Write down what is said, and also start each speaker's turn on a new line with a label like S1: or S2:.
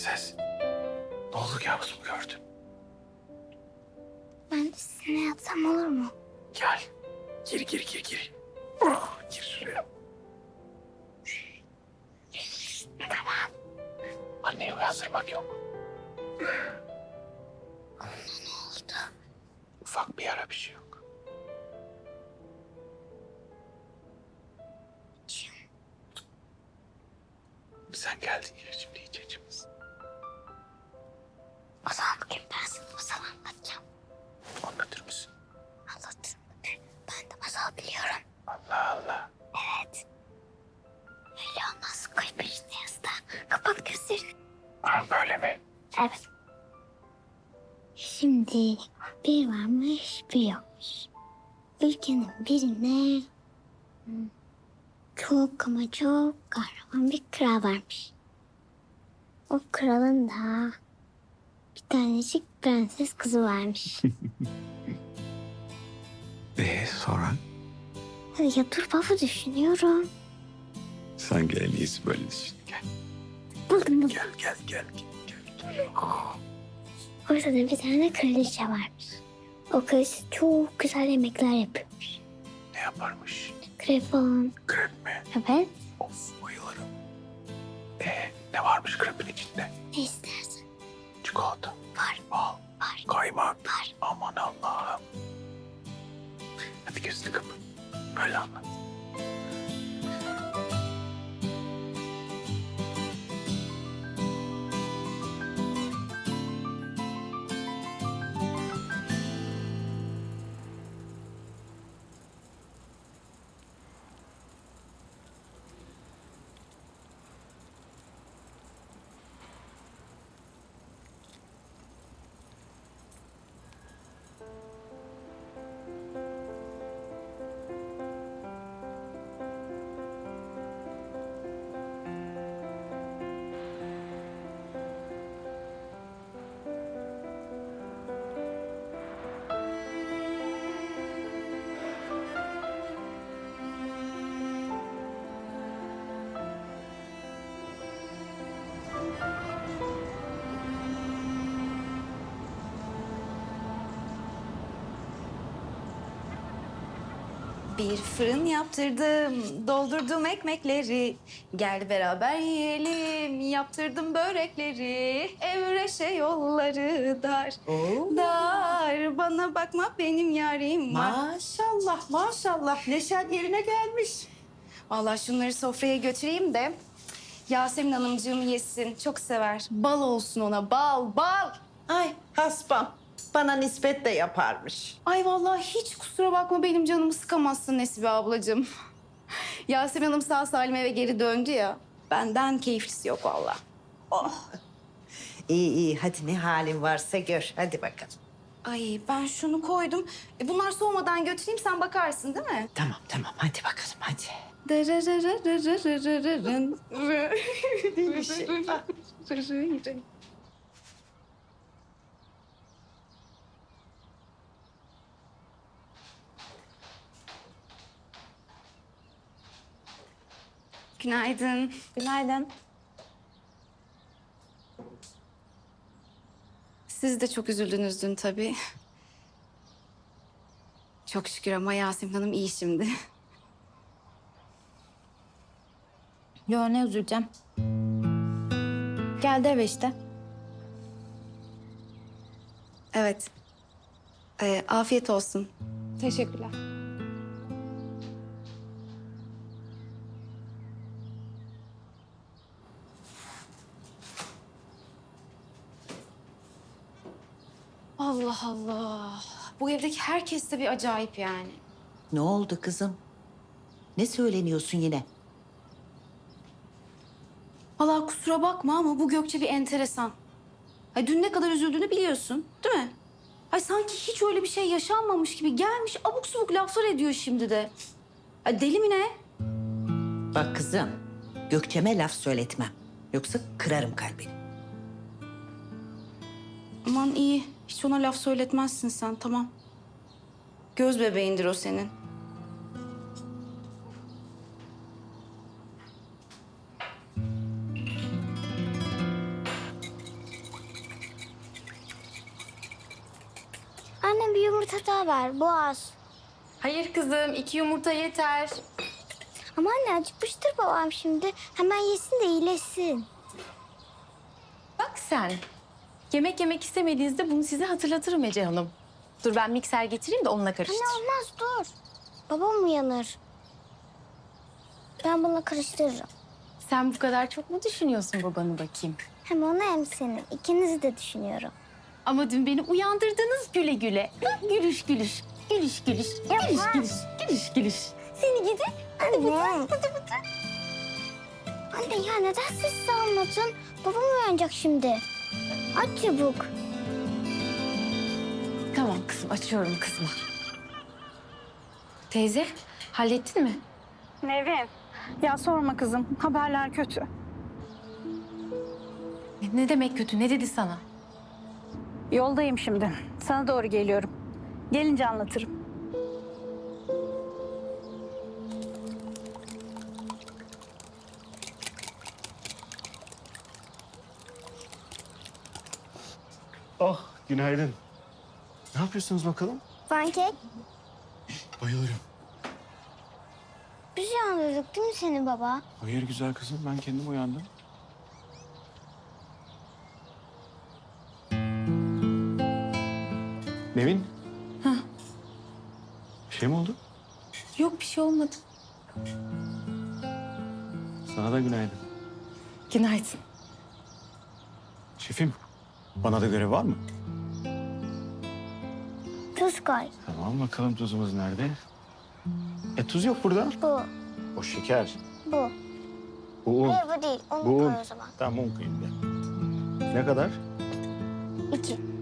S1: Prenses. Ne oldu, kabus mu gördün?
S2: Ben de sizinle yatsam olur mu?
S1: Gel. Gir. Oh, gir şuraya.
S2: Tamam.
S1: Anneyi uyandırmak yok.
S2: Ne oldu?
S1: Ufak bir yara, bir şey yok. Sen geldin ya, şimdi iç içimiz.
S2: O zaman bugün ben sana masal anlatacağım.
S1: Anlatır mısın?
S2: Anlatırım. Ben de masal biliyorum.
S1: Allah Allah.
S2: Evet. Öyle olmaz. Koy peşine yastığa. Kapat gözlerini.
S1: Ha, böyle mi?
S2: Evet. Şimdi bir varmış bir yokmuş. Ülkenin birine çok ama çok kahraman bir kral varmış. O kralın da bir tanecik prenses kızı varmış.
S1: Sonra?
S2: Ya dur baba düşünüyorum.
S1: Sen gel, en iyisi böyle düşün. Gel.
S2: Buldum.
S1: Gel.
S2: Orada da bir tane kraliçe varmış. O kraliçe çok güzel yemekler yapıyormuş.
S1: Ne yaparmış?
S2: Krep falan.
S1: Krep mi?
S2: Evet.
S1: Of, bayılırım. Ne varmış krepin içinde?
S2: Ne istersen.
S1: Çikolata,
S2: Var.
S1: bal,
S2: Var.
S1: kaymak.
S2: Var.
S1: Aman Allah'ım. Hadi gözünü kapat. Böyle anlat.
S3: Bir fırın yaptırdım, doldurdum ekmekleri. Gel beraber yiyelim, yaptırdım börekleri. Evreşe yolları dar, dar. Bana bakma benim yarim var.
S4: Maşallah. Neşen yerine gelmiş.
S3: Vallahi şunları sofraya götüreyim de Yasemin Hanımcığım yesin. Çok sever. Bal olsun ona, bal.
S4: Ay haspam. Bana nispet de yaparmış.
S3: Ay vallahi hiç kusura bakma benim canımı sıkamazsın Nesibe ablacığım. Yasemin Hanım sağ salim eve geri döndü ya. Benden keyiflisi yok vallahi.
S4: İyi. Hadi ne halin varsa gör. Hadi bakalım.
S3: Ay ben şunu koydum. Bunlar soğumadan götüreyim sen bakarsın değil mi?
S4: Tamam. Hadi bakalım hadi.
S3: Günaydın.
S5: Günaydın.
S3: Siz de çok üzüldünüz dün tabii. Çok şükür ama Yasemin Hanım iyi şimdi.
S5: Yo ne üzüleceğim. Geldi eve işte.
S3: Evet. Afiyet olsun.
S5: Teşekkürler.
S3: Allah Allah. Bu evdeki herkes de bir acayip yani.
S4: Ne oldu kızım? Ne söyleniyorsun yine?
S3: Vallahi kusura bakma ama bu Gökçe bir enteresan. Ay dün ne kadar üzüldüğünü biliyorsun, değil mi? Ay sanki hiç öyle bir şey yaşanmamış gibi gelmiş abuk subuk laflar ediyor şimdi de. Ay deli mi ne?
S4: Bak kızım. Gökçe'me laf söyletmem. Yoksa kırarım kalbini.
S3: Aman iyi. Hiç ona laf söyletmezsin sen, tamam. Göz bebeğindir o senin.
S2: daha ver, boğaz.
S5: Hayır kızım, 2 yumurta yeter.
S2: Ama anne acıkmıştır babam şimdi. Hemen yesin de iyileşsin.
S5: Bak sen. Yemek istemediğinizde bunu size hatırlatırım Ece Hanım. Dur ben mikser getireyim de onunla karıştır.
S2: Anne olmaz dur. Babam uyanır. Ben bunu karıştırırım.
S5: Sen bu kadar çok mu düşünüyorsun babanı bakayım?
S2: Hem onu hem seni. İkinizi de düşünüyorum.
S5: Ama dün beni uyandırdınız güle güle. Bak, gülüş gülüş. Gülüş gülüş. Gülüş gülüş. Gülüş gülüş.
S2: Seni gidi. Anne. Anne ya neden sessiz almadın? Babam uyanacak şimdi. Aç çabuk.
S5: Tamam kızım, açıyorum kızıma. Teyze, hallettin mi?
S6: Nevin, ya sorma kızım. Haberler kötü.
S5: Ne demek kötü? Ne dedi sana?
S6: Yoldayım şimdi. Sana doğru geliyorum. Gelince anlatırım.
S1: Oh, günaydın. Ne yapıyorsunuz bakalım?
S2: Pankek.
S1: Bayılırım.
S2: Biz uyandırdık değil mi seni baba?
S1: Hayır güzel kızım, ben kendim uyandım. Nevin. Bir şey mi oldu?
S5: Yok, bir şey olmadı.
S1: Sana da günaydın.
S5: Günaydın.
S1: Şefim, bana da görev var mı?
S2: Tuz koy.
S1: Tamam, bakalım tuzumuz nerede? Tuz yok burada.
S2: Bu.
S1: O şeker.
S2: Bu.
S1: Bu un.
S2: Hayır bu değil. Onu
S1: Bu
S2: koy
S1: un.
S2: o zaman.
S1: Tamam, un koyayım ben. Ne kadar?
S2: 2.